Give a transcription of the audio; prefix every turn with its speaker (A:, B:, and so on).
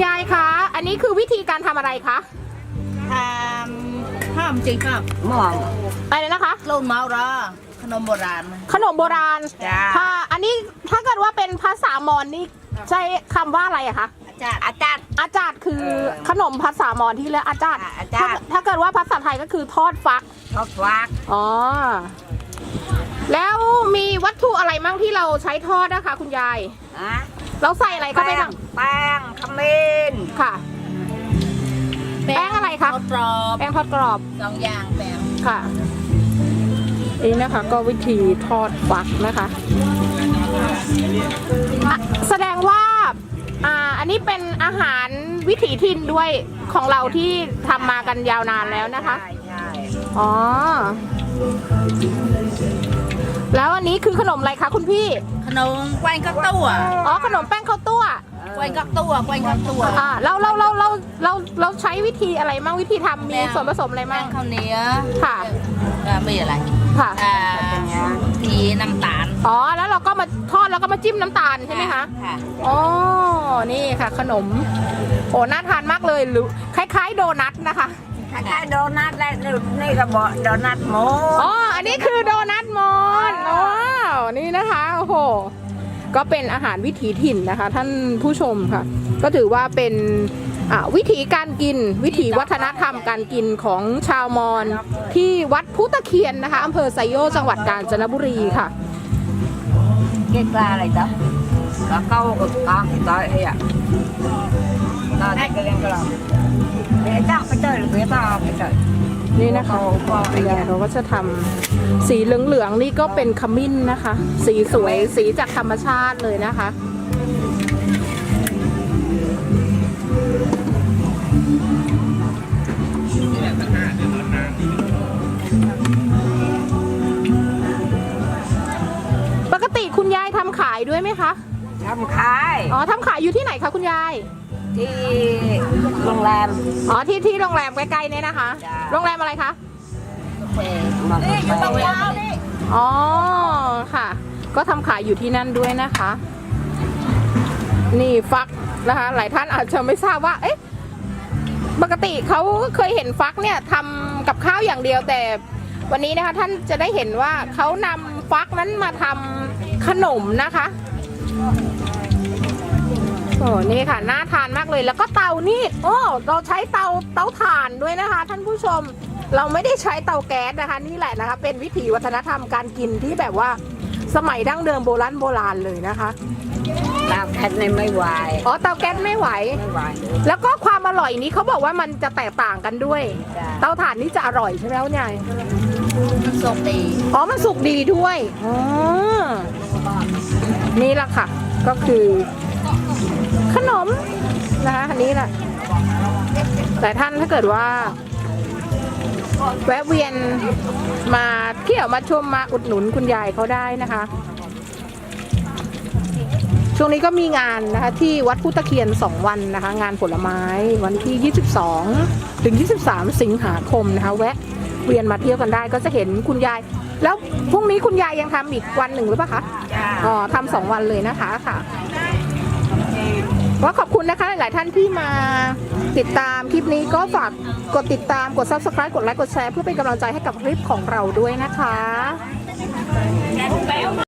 A: ยายคะอันนี้คือวิธีการทำอะไรคะ
B: ทำห้ามจริงครับหม้อ
A: อะไรนะคะ
B: โลนเมาราขนมโบราณ
A: ขนมโบราณ
B: ค่ะ
A: อันนี้ถ้าเกิดว่าเป็นภาษามอญนี่ใช้คำว่าอะไรอะคะ
B: อาจารย์
A: คือขนมภาษามอญที่เรียกอาจารย์ถ้าเกิดว่าภาษาไทยก็คือทอดฟักอ๋อแล้วมีวัตถุอะไรมั่งที่เราใช้ทอดนะคะคุณยายเราใส่อะไรเข้าไปบ้าง
B: แป้งขมิ้น
A: ค่ะแป้งอะไรคะแป้งทอดกรอบ
B: 2 อย่างแป้ง
A: ค่ะนี่นะคะก็วิธีทอดฟักนะคะแสดงว่าอันนี้เป็นอาหารวิถีถิ่นด้วยของเราที่ทำมากันยาวนานแล้วนะคะอ๋อแล้วอันนี้คือขนมอะไรคะคุณพี่
B: ขนมแกงกักตัว
A: อ๋อขนมแป้งข้าวตัว
B: แกงกักตัว
A: เราใช้วิธีอะไรมั่งวิธีทำมีส่วนผสมอะไรมั่ง
B: ข้าวเหนียว
A: ค่ะ
B: มีอะไร
A: ค่ะ
B: ทีน้ำตาล
A: อ๋อแล้วเราก็มาทอดแล้วก็มาจิ้มน้ำตาลใช่ไหมคะ
B: ค่ะ
A: อ๋อนี่ค่ะขนมโอ้น่าทานมากเลยหรือคล้ายๆโดนัทนะคะ
B: คล้ายๆโดนัทและนี่ก็บอกโดนัทโม
A: อ๋ออันนี้คือโดนัทมอนว้าวนี่นะคะโอ้โหก็เป็นอาหารวิถีถิ่นนะคะท่านผู้ชมค่ะก็ถือว่าเป็นวิถีการกินวิถีวัฒนธรรมการกินของชาวมอญที่วัดพุตะเคียนนะคะอำเภอไซโยกจังหวัดกาญจนบุรีค่ะ
B: เก็บปลาอะไรจ๊ะปลาเก้ากับปลาตายเฮ้ยน่าจะเลี้ยงกระเราเดี๋ยวจ้างไปเจอหรือเปล่าไปเจอ
A: นี่นะคะเราก็จะทำสีเหลืองๆนี่ก็เป็นขมิ้นนะคะสีสวยสีจากธรรมชาติเลยนะคะปกติคุณยายทำขายด้วยไหมคะ
B: ทำขาย
A: อ๋อทำขายอยู่ที่ไหนคะคุณยาย
B: ที่โรงแรม
A: อ๋อที่โรงแรมใกล้ๆเนี่ยนะคะโรงแรมอะไรคะ
B: นี่อยู่ตรงยาวนี่
A: อ๋อค่ะก็ทำขายอยู่ที่นั่นด้วยนะคะนี่ฟักนะคะหลายท่านอาจจะไม่ทราบว่าเอ๊ะปกติเขาเคยเห็นฟักเนี่ยทำกับข้าวอย่างเดียวแต่วันนี้นะคะท่านจะได้เห็นว่าเขานำฟักนั้นมาทำขนมนะคะโอ้นี่ค่ะน่าทานมากเลยแล้วก็เตานี่โอ้เราใช้เตาถ่านด้วยนะคะท่านผู้ชมเราไม่ได้ใช้เตาแก๊สนะคะนี่แหละนะคะเป็นวิถีวัฒนธรรมการกินที่แบบว่าสมัยดั้งเดิมโบราณเลยนะคะ
B: เตาแก๊สไม่ไหว
A: อ๋อเตาแก๊สไม่ไหวแล้วก็ความอร่อยนี้เขาบอกว่ามันจะแตกต่างกันด้วยเตาถ่านนี่จะอร่อยใช่ไหมคุณยาย
B: มันสุกดี
A: อ๋อมันสุกดีด้วยอ๋อนี่แหละค่ะก็คือขนมนะคะอันนี้แหละแต่ท่านถ้าเกิดว่าแวะเวียนมาเที่ยวมาชมมาอุดหนุนคุณยายเขาได้นะคะช่วงนี้ก็มีงานนะคะที่วัดพุตะเคียน2 วันนะคะงานผลไม้วันที่22 ถึง 23 สิงหาคมนะคะแวะเวียนมาเที่ยวกันได้ก็จะเห็นคุณยายแล้วพรุ่งนี้คุณยายยังทำอีกวันหนึ่งหรือเปล่าคะอ๋อทำ2 วันเลยนะคะค่ะก็ขอบคุณนะคะหลายท่านที่มาติดตามคลิปนี้ก็ฝากกดติดตามกด Subscribe กดไลค์กดแชร์เพื่อเป็นกำลังใจให้กับคลิปของเราด้วยนะคะ